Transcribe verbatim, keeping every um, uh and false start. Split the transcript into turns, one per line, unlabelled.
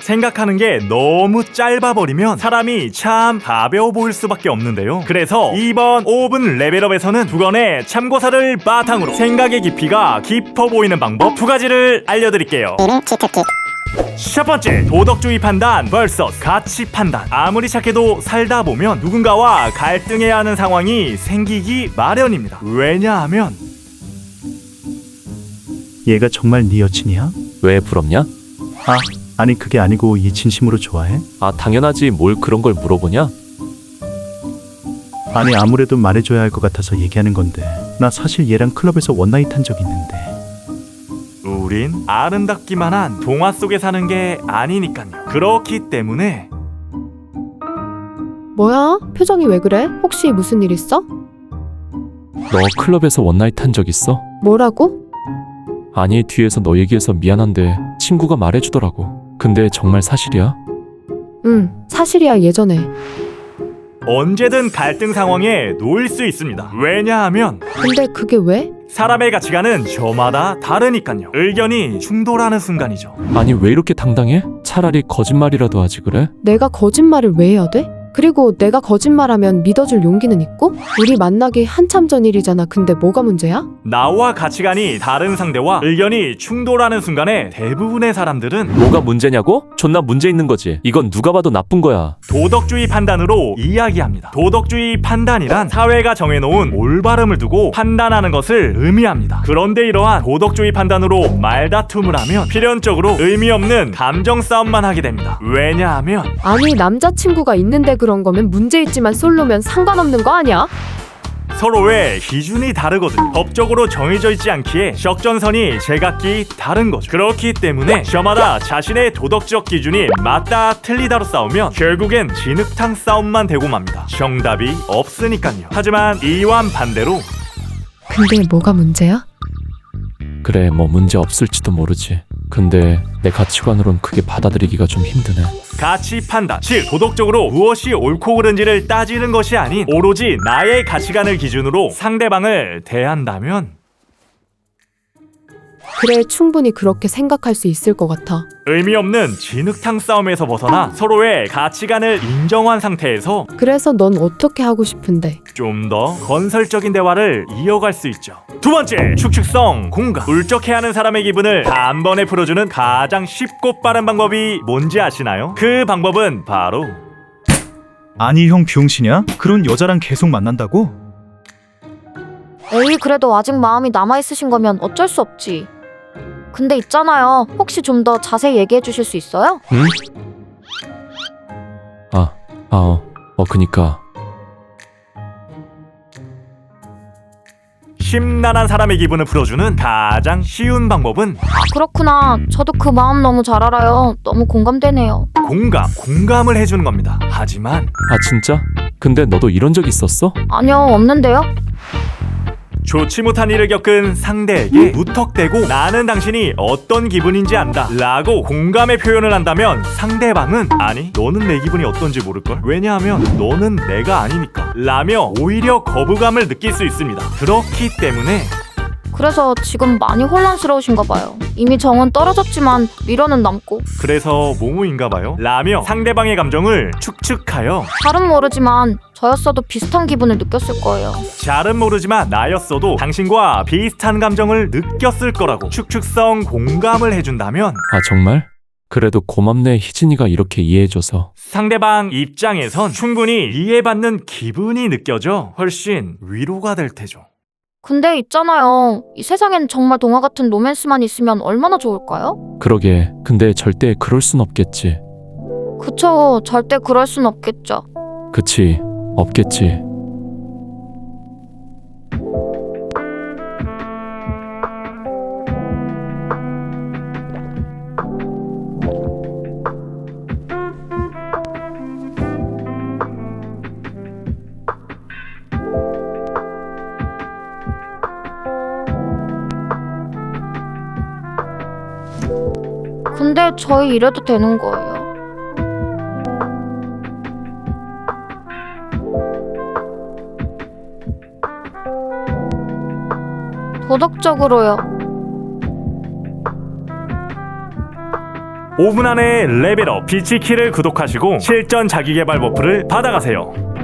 생각하는 게 너무 짧아버리면 사람이 참 가벼워 보일 수밖에 없는데요. 그래서 이번 오 분 레벨업에서는 두 건의 참고사를 바탕으로 생각의 깊이가 깊어 보이는 방법 두 가지를 알려드릴게요. 첫 번째, 도덕주의 판단 vs 가치 판단. 아무리 착해도 살다 보면 누군가와 갈등해야 하는 상황이 생기기 마련입니다. 왜냐하면
얘가 정말 네 여친이야?
왜 부럽냐?
아, 아니 그게 아니고 얘 진심으로 좋아해?
아, 당연하지. 뭘 그런 걸 물어보냐?
아니 아무래도 말해줘야 할 것 같아서 얘기하는 건데 나 사실 얘랑 클럽에서 원나잇 한 적 있는데.
우린 아름답기만 한 동화 속에 사는 게 아니니까요. 그렇기 때문에
뭐야? 표정이 왜 그래? 혹시 무슨 일 있어?
너 클럽에서 원나잇 한 적 있어?
뭐라고?
아니, 뒤에서 너 얘기해서 미안한데 친구가 말해주더라고. 근데 정말 사실이야?
응, 사실이야. 예전에.
언제든 갈등 상황에 놓일 수 있습니다. 왜냐하면
근데 그게 왜?
사람의 가치관은 저마다 다르니까요. 의견이 충돌하는 순간이죠.
아니, 왜 이렇게 당당해? 차라리 거짓말이라도 하지 그래?
내가 거짓말을 왜 해야 돼? 그리고 내가 거짓말하면 믿어줄 용기는 있고? 우리 만나기 한참 전 일이잖아. 근데 뭐가 문제야?
나와 가치관이 다른 상대와 의견이 충돌하는 순간에 대부분의 사람들은
뭐가 문제냐고? 존나 문제 있는 거지. 이건 누가 봐도 나쁜 거야.
도덕주의 판단으로 이야기합니다. 도덕주의 판단이란 사회가 정해놓은 올바름을 두고 판단하는 것을 의미합니다. 그런데 이러한 도덕주의 판단으로 말다툼을 하면 필연적으로 의미 없는 감정 싸움만 하게 됩니다. 왜냐하면
아니 남자친구가 있는데 그런 거면 문제 있지만 솔로면 상관없는 거 아니야?
서로의 기준이 다르거든요. 법적으로 정해져 있지 않기에 적정선이 제각기 다른 거죠. 그렇기 때문에 저마다 자신의 도덕적 기준이 맞다 틀리다로 싸우면 결국엔 진흙탕 싸움만 되고 맙니다. 정답이 없으니까요. 하지만 이와 반대로
근데 뭐가 문제야?
그래, 뭐 문제 없을지도 모르지. 근데 내 가치관으론 그게 받아들이기가 좀 힘드네.
가치 판단, 즉 도덕적으로 무엇이 옳고 그른지를 따지는 것이 아닌 오로지 나의 가치관을 기준으로 상대방을 대한다면
그래, 충분히 그렇게 생각할 수 있을 것 같아.
의미 없는 진흙탕 싸움에서 벗어나 서로의 가치관을 인정한 상태에서
그래서 넌 어떻게 하고 싶은데?
좀 더 건설적인 대화를 이어갈 수 있죠. 두 번째, 축축성 공감. 울적해하는 사람의 기분을 단번에 풀어주는 가장 쉽고 빠른 방법이 뭔지 아시나요? 그 방법은 바로
아니 형 병신이야? 그런 여자랑 계속 만난다고?
에이, 그래도 아직 마음이 남아있으신 거면 어쩔 수 없지. 근데 있잖아요. 혹시 좀 더 자세히 얘기해 주실 수 있어요?
응? 아, 아, 어, 어, 그니까.
심란한 사람의 기분을 풀어주는 가장 쉬운 방법은
아, 그렇구나. 저도 그 마음 너무 잘 알아요. 너무 공감되네요.
공감, 공감을 해주는 겁니다. 하지만
아, 진짜? 근데 너도 이런 적 있었어?
아니요, 없는데요?
좋지 못한 일을 겪은 상대에게 무턱대고 나는 당신이 어떤 기분인지 안다 라고 공감의 표현을 한다면 상대방은 아니 너는 내 기분이 어떤지 모를걸? 왜냐하면 너는 내가 아니니까 라며 오히려 거부감을 느낄 수 있습니다. 그렇기 때문에
그래서 지금 많이 혼란스러우신가 봐요. 이미 정은 떨어졌지만 미련은 남고.
그래서 모모인가 봐요 라며 상대방의 감정을 축축하여
잘은 모르지만 저였어도 비슷한 기분을 느꼈을 거예요.
잘은 모르지만 나였어도 당신과 비슷한 감정을 느꼈을 거라고 축축성 공감을 해준다면
아, 정말? 그래도 고맙네, 희진이가 이렇게 이해해줘서.
상대방 입장에선 충분히 이해받는 기분이 느껴져 훨씬 위로가 될 테죠.
근데 있잖아요. 이 세상엔 정말 동화 같은 로맨스만 있으면 얼마나 좋을까요?
그러게. 근데 절대 그럴 순 없겠지.
그쵸. 절대 그럴 순 없겠죠.
그치, 없겠지.
근데 저희 이래도 되는 거예요. 도덕적으로요.
오 분 안에 레벨업 비치키를 구독하시고 실전 자기개발 버프를 받아가세요.